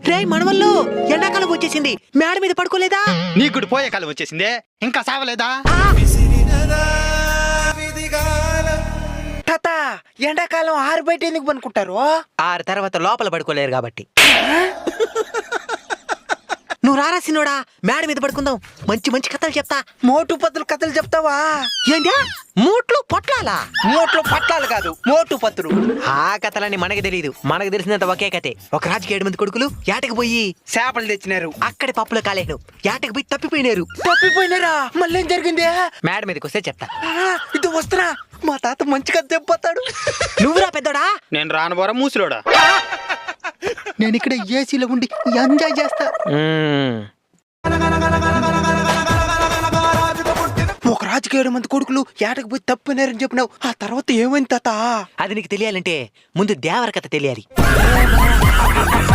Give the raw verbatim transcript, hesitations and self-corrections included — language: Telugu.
రే మనవల్లో ఎండాకాలం వచ్చేసింది, మేడ మీద పడుకోలేదా? నీకు కూడా పోయే కాలం వచ్చేసింది, ఇంకా సావలేదా? తాత ఎండాకాలం ఆరు బయట ఎందుకు పనుకుంటారు? ఆరు తర్వాత లోపల పడుకోలేరు కాబట్టి. నువ్వు రారా సినోడా, మేడ మీద పడుకుందాం, మంచి మంచి కథలు చెప్తా. మోటు పత్తులు కథలు చెప్తావా? ఏంటా మూట్లు పొట్లాలా? మోట్లు పట్లాలు కాదు, మోటు పత్తులు. ఆ కథలని మనకి తెలియదు, మనకు తెలిసినంత ఒకే కథే. ఒక రాజుకి ఏడు మంది కొడుకులు ఏటకు పోయి చేపలు తెచ్చినారు, అక్కడి పప్పులో కాలేను, ఏటకు పోయి తప్పిపోయినారు. తప్పిపోయినారా? మళ్ళీ ఏం జరిగింది? మేడ మీదకి వస్తే చెప్తా. ఆ, ఇది వస్తున్నా, మా తాత మంచిగా చెప్పతాడు. నువ్వురా పెద్దోడా. నేను రానుబోరా మూసిలోడా. నేను ఇక్కడ ఏసీలో ఉండి ఎంజాయ్ చేస్తా. ఒక రాజుకి ఏడు మంది కొడుకులు ఏటకు పోయి తప్పినారని చెప్పినావు, ఆ తర్వాత ఏమైంది తాత? అది నీకు తెలియాలంటే ముందు దేవర కథ తెలియాలి.